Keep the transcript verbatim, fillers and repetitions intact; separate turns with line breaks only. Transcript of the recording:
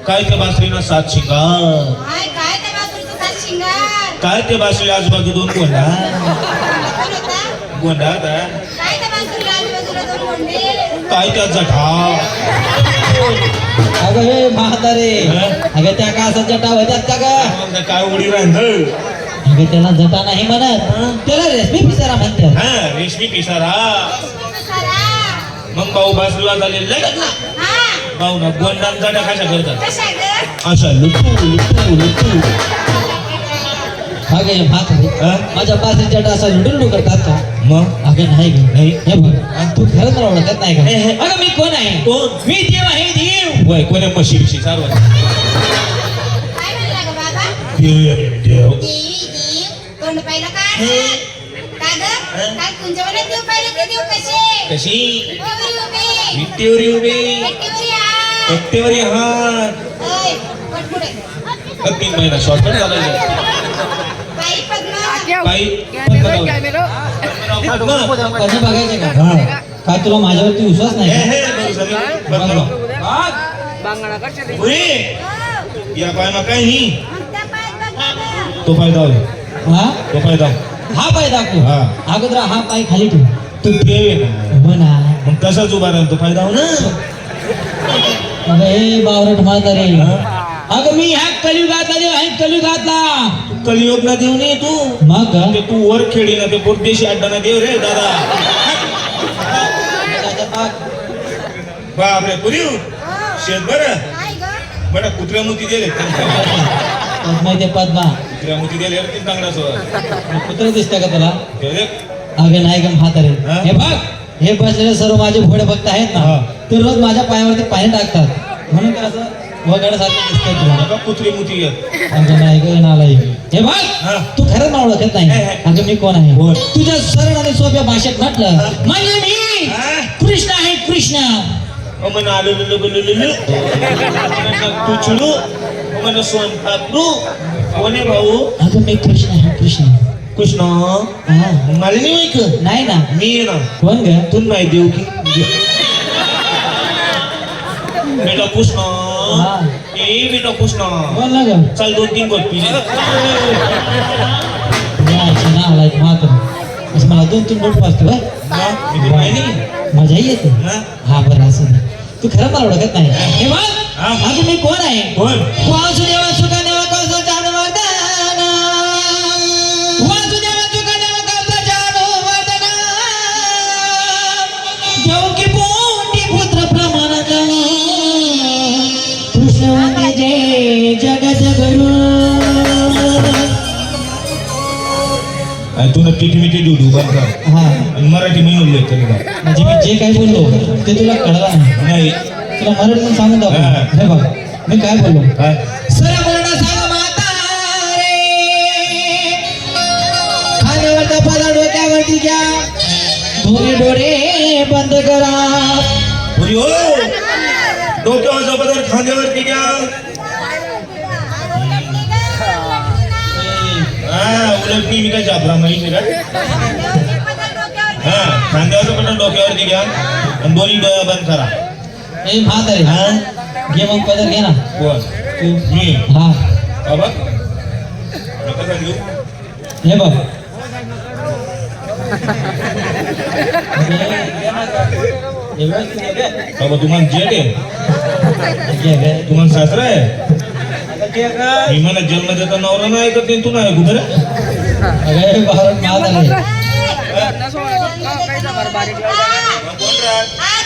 काय ते बासरीनं सात शिंगार
काय काय त्या बासुरीचं सात शिंगार
काय ते बासरी आजूबाजू दोन गोंडा
कोण होता?
गोंडा होता.
काय त्या बासुरीला आजूबाजूला दोन गोंडे
काय त्या जठा
अगं हे म्हातारे अगं त्या का असं जटा होत्यात का ग
काय उडी राहिलं
अगं त्याला जटा नाही म्हणत त्याला रेशमी पिसारा म्हणतात.
हा रेशमी पिसारा.
सारा
मग भाऊ बासरीला झाले लगत ना
हा
भाऊ ना गोंडांचा कशा करतात
कशा ग
अशा लुटू लुटू लुटू.
अगं हे म्हातारे
हा?
माझ्या पासून जटा असं लुडू लुडू करतात का?
मग
अगं नाही ग
नाही.
हे बघ तू खरंच मला ओळखत नाही
हे, हे.
का? अगं मी कोण आहे?
कोण?
मी देव आहे देव.
वय कोण्या म्हशी बिशी सर्व
काय म्हणला ग बाबा
देव
देवी देव तोंड पाहिलं का का ग काय कुंजवनात देव पाहिलं ते देव कसे
कशी
विटेवर उभे
विट्टीवर उभी
विटेवर या
एकटेवर हात
ओय पट पुढे
तीन महिना शॉर्टकट झाला
बाई पद्मा
बाई
कसं बघायचं का? काय तुला माझ्यावरती विश्वास नाही का?
या पाय ना काय ही
आमच्या पायात बघा ग.
तो पाय दाव
हा
तो पाय दाव
हा पाय दाखव.
हा.
अगोदर हा पाय खाली ठेव.
तू देव आहे ना
हो ना.
मग तसाच उभा राहील तो पाय दाव ना.
अगं हे बावरट म्हातारे अगं मी ह्या कलियुगातला देव आहे कलियुगातला.
तू कलियोग ना देव नाही तू
मग का?
ते तू वर खेळी ना ते पोटदेशी अड्डा ना देव रे दादा. बापरे पुरी शेत बरं
काय ग
बरं कुत्र्या मोती दिले
पद्मा ते पद्मा
कुत्र्या मोती दिले रे तीन चांगला सोबत
कुत्र दिसतं का तुला?
हे रे.
अगं नाही का म्हातारे
हा?
हे बघ हे बसलेले सर्व माझे भोळे भक्त आहेत
हा.
ना ते रोज माझ्या पायावरती पाणी टाकतात म्हणून ते असं वगैरेसारखं दिसतंय तुला.
नका कुत्री मोती येत
अगं नाही ग नालायक. हे बघ
हा.
तू खरंच मला ओळखत नाही.
हे, हे.
अगं मी कोण आहे?
कोण?
तुझ्या सरळ आणि सोप्या भाषेत म्हटलं म्हणजे मी
हा?
कृष्ण आहे कृष्ण.
अमन आलू लुलू गुलू लुलू तू चिडू अमन सोन पापरू कोणे भाऊ
अगं मी कृष्ण आहे कृष्ण.
कृष्ण
हा
मला नाही माहित
नाही ना.
मी आहे ना
कोण ग?
तू नाही देऊ की बेटा कृष्ण
हा.
ए बेटा कृष्ण
कोण ना ग?
चल दोन तीन गोट पिले
यायची ना आलाय म्हातारे असं मला दोन तीन बोट वाजतो बाय
मी तुला नाही
मजा येते.
हा?
हा बरं असं दे. तू खरं मला ओळखत नाही. हे बघ
हा?
अगं मी कोण आहे?
कोण
वासुदेवा सुखदेवा कौसो जाणवर्धन वासुदेवा सुखदेवा कौसो जाणवर्धन देवकी पोटी पुत्र प्रमाणात कृष्ण वंदे जय जगत गुरु.
तू पिठी मिठी डुडू बंद कर
हा
आणि मराठी म्हणून लिहित तरी का
म्हणजे मी जे काही बोललो ते तुला कळलं नाही.
नाही
तुला मराठीतून सांगून दाखव.
हा.
हे बघ मी काय बोललो.
काय
सरवर्ण सांग माता रे खाण्यावरचा पदा डोक्यावरती घ्या दोन्ही डोळे बंद करा.
पुरी हो डोक्यावरचा पदार्थ खांद्यावरती घ्या हा उलट मी काय जाबरा माहिती का हा खांद्यावरचा पदार्थ डोक्यावरती घ्या आणि दोन्ही डोळा बंद करा.
ए म्हातारे
हा
घे मग पदर घे ना
कोण
तू.
मी
हा
बाबा नका घेऊ
हे बघ हे बघ,
बाबा तुम्हाला जेट आहे
घे, घे.
तुम्हाला सासरा आहे मी मला जन्म देता नवरा नाही ऐकत नाही तू नाही कुठे
अगं हे भारत म्हातारे
कोण राहत